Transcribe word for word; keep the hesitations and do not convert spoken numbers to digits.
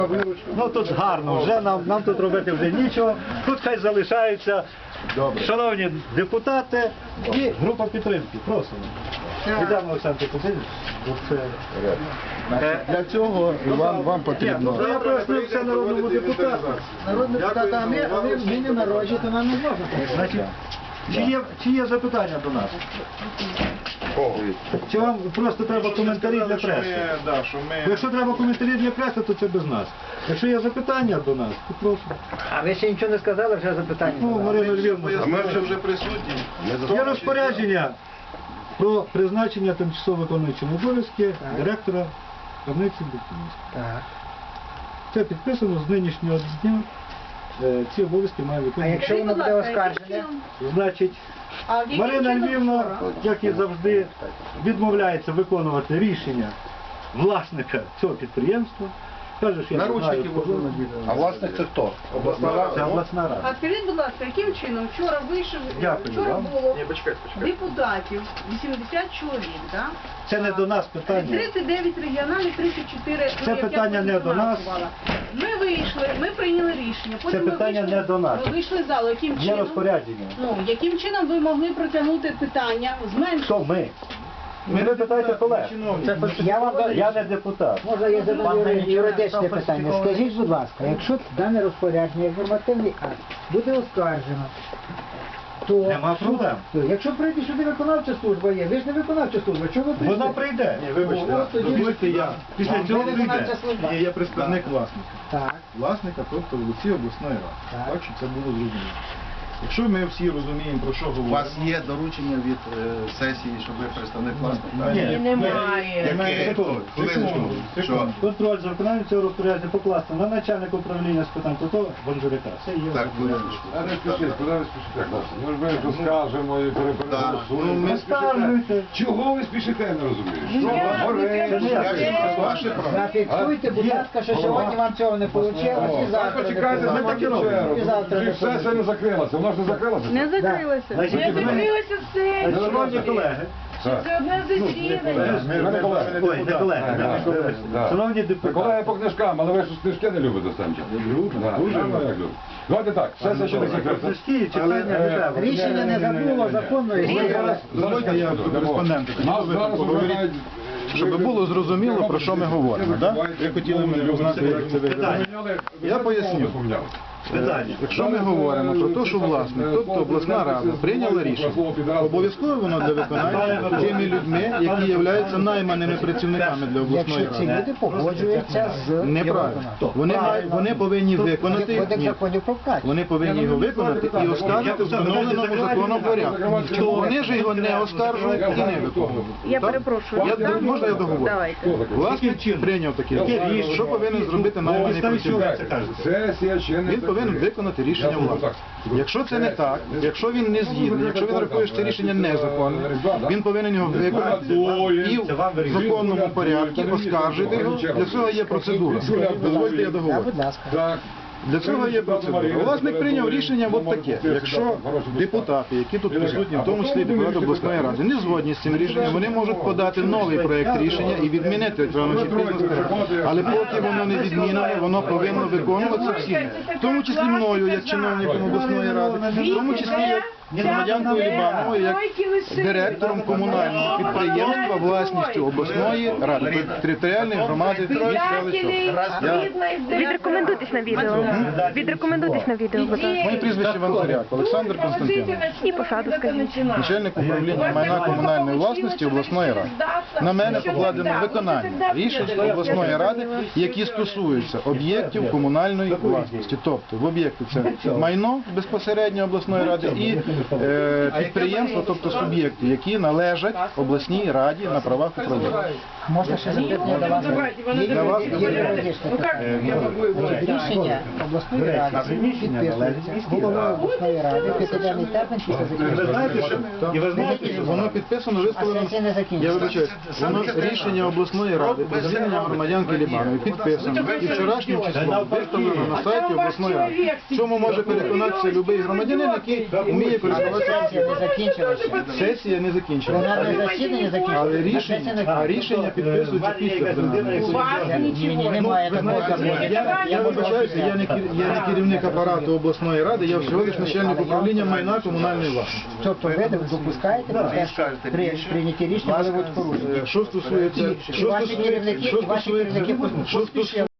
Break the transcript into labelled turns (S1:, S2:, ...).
S1: Ну тут гарно, вже нам, нам тут робити вже нічого. Тут хай залишаються шановні депутати і група підтримки. Просимо. Йдемо, Олександр Кузьмич.
S2: Для цього вам, вам потрібно.
S1: Я пояснив це народному депутату.
S3: Народні депутати, а ми, а ви ми не народжі, то нам не можете.
S1: Значить, чи є, чи є запитання до нас? Чи вам просто треба коментарі для преси? Якщо треба коментарі для преси, то це без нас. Якщо є запитання до нас, то прошу.
S3: А ви ще нічого не сказали, вже запитання.
S1: Ну, Марина Львівна,
S2: А ми вже вже присутні.
S1: є розпорядження про призначення тимчасово виконуючого обов'язки директора крамниці Бухтинська.
S3: Так.
S1: Це підписано з нинішнього дня. Е, Ці обов'язки має
S3: А
S1: виконувати.
S3: якщо воно буде оскаржене?
S1: Значить, Марина Львівна, як і завжди, відмовляється виконувати рішення власника цього підприємства. Каже, що я не знаю, хто.
S2: А власник це хто? Обласна
S1: Це
S2: рада?
S1: обласна
S4: А
S1: рада.
S4: скажіть, будь ласка, яким чином вчора вийшов,
S1: Дякую
S4: вчора
S1: вам.
S4: було депутатів, вісімдесят чоловік, так?
S1: Це не до нас питання.
S4: тридцять дев'ять регіональних, тридцять чотири...
S1: Це
S4: ну, як я
S1: питання
S4: потім
S1: не до нас.
S4: фінансувала. Ми вийшли, ми прийняли рішення. Потім
S1: Це
S4: ми
S1: питання
S4: вийшли,
S1: не до нас.
S4: Ми вийшли з залу. Яким
S1: Є
S4: чином?
S1: розпорядження.
S4: Ну, яким чином ви могли протягнути питання, зменшити?
S1: Хто ми? Ми ви питаєте колег.
S3: Я вам
S1: Я не депутат.
S3: Можна я задаю юридичне питання. Скажіть, будь ласка, якщо дане розпорядження, інформативний акт буде оскаржено, то...
S1: Нема проблем.
S3: То, якщо прийде сюди виконавча служба є, ви ж не виконавча служба, чого ви прийшли?
S1: Вона прийде.
S2: Ні, вибачте,
S3: Ну, от тоді-
S2: дозвольте я.
S1: Після
S3: Ви
S1: цього
S3: виконавча
S1: прийде.
S3: служба.
S2: Ні, я представник власника.
S3: Так.
S2: Власника, тобто вулиці обласної ради.
S3: Так.
S2: Так, щоб це було зрозуміло. Якщо ми всі розуміємо, про що
S5: У
S2: говоримо...
S5: вас є доручення від е, сесії, щоб ви представник власника?
S1: Ні,
S4: немає.
S5: Яке?
S1: Секунду,
S5: Хвилиночку. Що?
S1: Контроль за виконанням цього розпорядження покласти на начальника управління з питань ТОТО Бонжуряка. Це є.
S5: Так, хвилиночку.
S6: А не спішіть, куди ви спішите, хлопці? Ми ж ми ж розкажемо і
S5: Так, ну,
S6: перепереголосуємо.
S5: ми
S1: Оскаржуйте.
S6: Чого ви спішите, я не розумію? Що
S4: Я-
S6: вам горить?
S1: Це не я.
S5: Це ваше право.
S3: Зафіксуйте, будь ласка, що сьогодні вам цього не вийшло,
S6: О,
S3: і завтра не
S6: почекайте,
S3: вийде.
S6: ми так і робимо.
S3: І завтра
S6: Вже
S3: не
S6: ж сесія не закрилася, вона ж не закрилася.
S4: Не закрилося.
S1: Значить,
S4: Не
S1: ви-
S4: закрилося все.
S1: Шановні колеги,
S6: Так.
S4: Це одне засідання.
S6: Ми не колеги.
S1: ой, не колеги,
S6: Так,
S1: не
S6: так,
S1: колеги.
S6: так.
S1: Шановні
S6: Та колеги
S1: депутати,
S6: по книжкам, але ви ж книжки не любите останні.
S2: Люблю, дуже люблю.
S6: Давайте так, сесія ще не закрита.
S1: книжки читання не треба.
S3: Рішення не забуло, законної сили.
S2: Дозвольте я до кореспондента.
S6: Нас зараз
S2: Поговоріть, щоб було зрозуміло, про що ми говоримо. Да? Ви хотіли мене знати, як це виглядає. Я поясню.
S1: Питання.
S2: Якщо ми говоримо про те, що власник, тобто обласна рада, прийняла рішення, обов'язково воно для виконання тими людьми, які являються найманими працівниками для обласної
S3: Якщо ці
S2: ради.
S3: люди погоджуються з
S2: Неправильно. Вони, мають- вони повинні виконати,
S3: Кодекс
S2: ні,
S3: законів про вкат.
S2: вони повинні його виконати і оскаржити в встановленому законом порядку. То вони ж його не оскаржують і не виконують.
S4: Я
S2: Так?
S4: перепрошую.
S2: Я,
S4: Да?
S2: можна я договорю?
S4: Давайте.
S2: Власник прийняв таке рішення. Що повинен зробити найманий працівник?
S6: Сесія ще не
S2: Він повинен виконати рішення власника. Якщо це не так, якщо він не згідний, якщо він рахує, що це рішення незаконне, він повинен його виконати і в законному порядку оскаржити його. Для цього є процедура. Дозвольте я
S3: Так,
S2: договорю.
S3: будь ласка.
S6: Так.
S2: Для цього є процедура. Власник прийняв рішення от таке. Якщо депутати, які тут присутні, в тому числі депутати обласної ради, не згодні з цим рішенням, вони можуть подати новий проєкт рішення і відмінити рано чи пізно скажуть. Але поки воно не відмінене, воно повинно виконуватися всіми. В тому числі мною, як чиновником обласної ради, в тому числі як громадянкою Лібановою, як директором комунального підприємства власністю обласної ради, територіальної громади міста Селища. Я
S7: Відрекомендуйтесь на відео. Відрекомендуйтесь на відео, будь ласка.
S2: Моє прізвище Ванзаряк, Олександр Константинович,
S7: І посаду скажіть.
S2: начальник управління майна комунальної власності обласної ради. На мене покладено виконання рішень обласної ради, які стосуються об'єктів комунальної власності. Тобто в об'єкти це майно безпосередньо обласної ради і е, підприємства, тобто суб'єкти, які належать обласній раді на правах управління.
S3: Можна ще запитання до вас? Є
S2: Для вас
S3: є юридичне питання. Рішення обласної ради підписується головою обласної ради, п'ятиденний термін після
S1: Ви
S3: закінчення.
S1: знаєте, що і ви знаєте, що
S2: Воно підписано,
S3: А
S2: виставлено.
S3: сесія не закінчиться.
S2: Я вибачаюсь, воно рішення обласної ради про звільнення громадянки Лібанової підписано і вчорашнім числом виставлено на сайті обласної ради. В чому може переконатися будь-який громадянин, який вміє користуватися.
S3: Сесія не закінчилася.
S2: Сесія не закінчилася.
S3: Пленарне засідання закінчилося.
S2: Але
S3: а
S2: рішення,
S3: сесія не
S2: а рішення
S3: закінчилася.
S2: підписується
S1: Ні,
S2: після
S1: якась людина, яку-
S4: У вас
S3: Ні, ні, немає
S2: Ви
S3: такого
S2: знаєте,
S3: закону.
S2: я, я вибачаюся, я не, кер- я не керівник апарату обласної ради, я всього лиш начальник управління майна комунальної власності.
S3: Тобто ви допускаєте про те, що при прийнятті рішення були будуть порушення.
S2: Е, Що стосується,
S3: І
S2: що
S3: ваші
S2: стосується,
S3: керівники,
S2: що
S3: і ваші
S2: стосується,
S3: керівники
S2: що
S3: поспішили.
S2: стосується